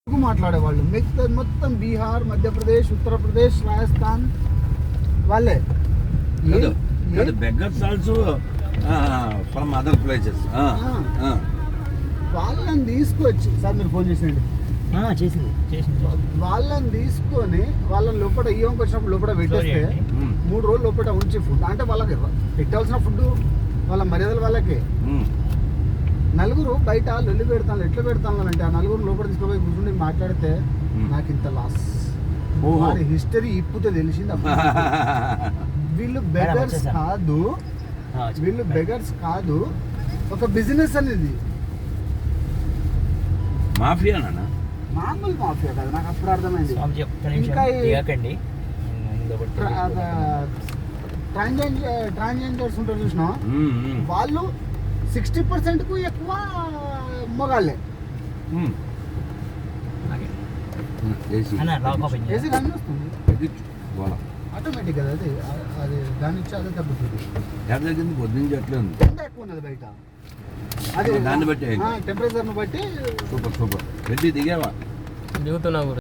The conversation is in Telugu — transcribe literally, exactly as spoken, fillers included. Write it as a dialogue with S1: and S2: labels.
S1: మాట్లాడేవాళ్ళు మిగతా మొత్తం బీహార్, మధ్యప్రదేశ్, ఉత్తరప్రదేశ్, రాజస్థాన్ వాళ్ళే.
S2: Beggars also from other places.
S1: వాళ్ళని తీసుకొచ్చి సార్ మీరు ఫోన్ చేసేయండి
S3: చేసింది చేసింది
S1: వాళ్ళని తీసుకొని వాళ్ళని లోపల ఇయ్యంకి వచ్చినప్పుడు లోపల పెట్టేస్తే మూడు రోజులు లోపల ఉంచి ఫుడ్ అంటే వాళ్ళకి పెట్టాల్సిన ఫుడ్ వాళ్ళ మర్యాదలు వాళ్ళకి. నలుగురు బయట లొల్లి పెడతాను ఎట్లా పెడతాను అంటే ఆ నలుగురు లోపల తీసుకుపోయి కూర్చుని మాట్లాడితే నాకు ఇంత లాస్ హిస్టరీ ఇప్పుతే తెలిసింది. వీళ్ళు బెగర్స్ కాదు, వీళ్ళు బెగర్స్ కాదు, ఒక బిజినెస్ అనేది
S2: మాఫియా,
S1: మామూలు మాఫియా కాదు. నాకు అప్పుడు అర్థమైంది. ఇంకా ట్రాన్స్జెండర్స్ ఉంటారు చూసినా వాళ్ళు సిక్స్టీ పర్సెంట్ కు ఎక్కువ మొగాళ్ళే. ఏసీ రన్ వస్తుంది ఆటోమేటిక్ కదా, అది అది దాని ఇచ్చి అదే తగ్గుతుంది.
S2: పొద్దున్న అట్లా ఉంది,
S1: ఎంత ఎక్కువ ఉన్నది బయట అది
S2: దాన్ని బట్టి
S1: టెంపరేచర్ని బట్టి.
S2: సూపర్ సూపర్ రెడ్డి దిగావా?
S3: దిగుతున్నా.